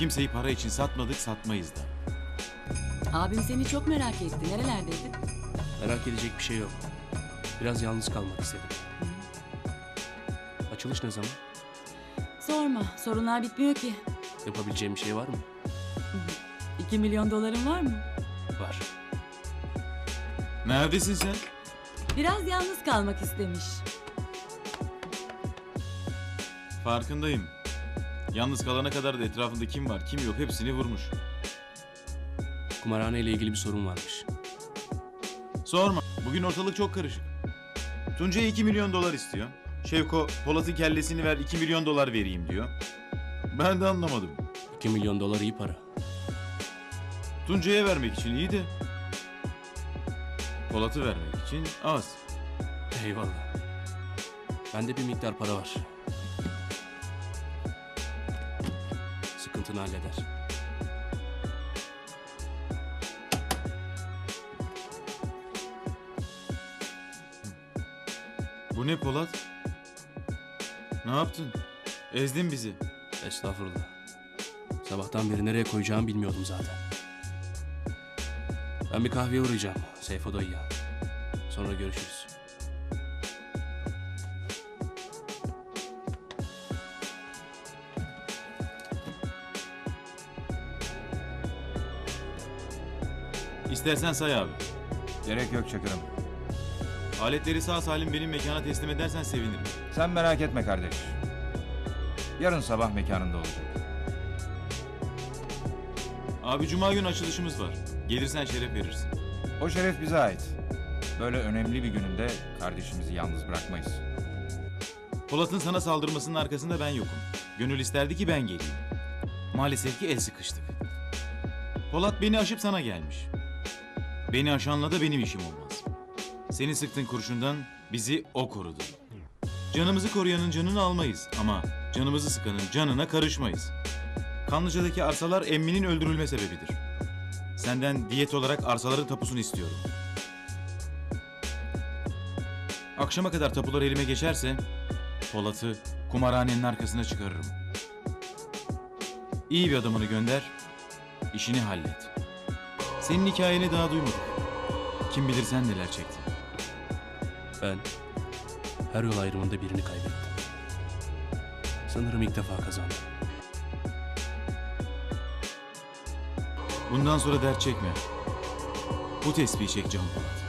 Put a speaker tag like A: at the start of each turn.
A: Kimseyi para için satmadık, satmayız da.
B: Abim seni çok merak etti. Nerelerdeydin?
C: Merak edecek bir şey yok. Biraz yalnız kalmak istedim. Açılış ne zaman?
B: Sorma. Sorunlar bitmiyor ki.
C: Yapabileceğim bir şey var mı?
B: 2 milyon doların var mı?
C: Var.
A: Neredesin sen?
B: Biraz yalnız kalmak istemiş.
A: Farkındayım. Yalnız kalana kadar da etrafında kim var kim yok hepsini vurmuş.
C: Kumarhane ile ilgili bir sorun varmış.
A: Sorma. Bugün ortalık çok karışık. Tuncay'a 2 milyon dolar istiyor. Şevko Polat'ın kellesini ver 2 milyon dolar vereyim diyor. Ben de anlamadım.
C: 2 milyon dolar iyi para.
A: Tuncay'a vermek için iyi de Polat'ı vermek için az.
C: Eyvallah. Bende bir miktar para var. Sıkıntını halleder.
A: Bu ne Polat? Ne yaptın? Ezdin bizi.
C: Estağfurullah. Sabahtan beri nereye koyacağımı bilmiyordum zaten. Ben bir kahveye uğrayacağım. Seyfo dayıya. Sonra görüşürüz.
A: İstersen say abi.
D: Gerek yok Çakır'ım.
A: Aletleri sağ salim benim mekana teslim edersen sevinirim.
D: Sen merak etme kardeş. Yarın sabah mekanında olacak.
A: Abi cuma günü açılışımız var. Gelirsen şeref verirsin.
D: O şeref bize ait. Böyle önemli bir gününde kardeşimizi yalnız bırakmayız.
A: Polat'ın sana saldırmasının arkasında ben yokum. Gönül isterdi ki ben geleyim. Maalesef ki el sıkıştık. Polat beni aşıp sana gelmiş. Beni aşanla da benim işim olmaz. Seni sıktığın kurşundan bizi o korudu. Canımızı koruyanın canını almayız ama canımızı sıkanın canına karışmayız. Kanlıca'daki arsalar emminin öldürülme sebebidir. Senden diyet olarak arsaların tapusunu istiyorum. Akşama kadar tapular elime geçerse Polat'ı kumarhanenin arkasına çıkarırım. İyi bir adamını gönder, işini hallet. Senin hikayeni daha duymadık. Kim bilir sen neler çektin.
C: Ben her yol ayrımında birini kaybettim. Sanırım ilk defa kazandım.
A: Bundan sonra dert çekme. Bu tespihi çek Can Polat.